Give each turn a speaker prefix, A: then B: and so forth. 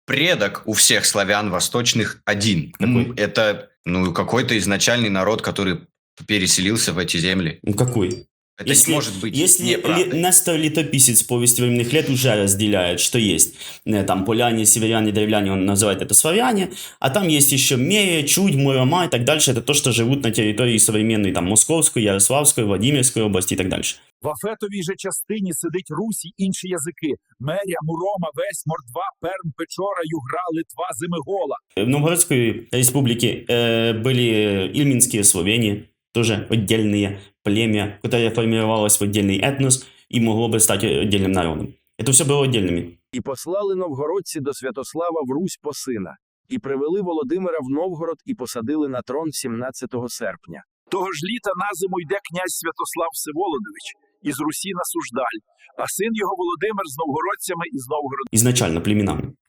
A: предок у всех славян восточных один.
B: Какой?
A: Это, какой-то изначальный народ, который переселился в эти земли.
B: Ну какой?
A: Это не может быть
B: Если
A: неправдой.
B: Нестор Летописец «Повести временных лет» уже разделяет, что есть там поляне, северяне, древляне, он называет это славяне, а там есть еще Мерия, Чудь, Мурома и так дальше, это то, что живут на территории современной там Московской, Ярославской, Владимирской области и так дальше.
C: В Афетовій же частині сидить Русь і інші язики: Меря, Мурома, Весь, Мордва, Перм, Печора, Югра, Литва, Зимигола.
B: В Новгородской республике были ильминские словени, тоже отдельные племя, которое формировалось в отдельный этнос и могло бы стать отдельным народом. Это все было отдельными.
D: І послали новгородці до Святослава в Русь по сина, і привели Володимира в Новгород і посадили на трон 17 серпня.
C: Того ж літа на зиму йде князь Святослав Всеволодович із Русі на Суждаль, а син його Володимир з новгородцями із Новгорода.
B: Изначально племенами.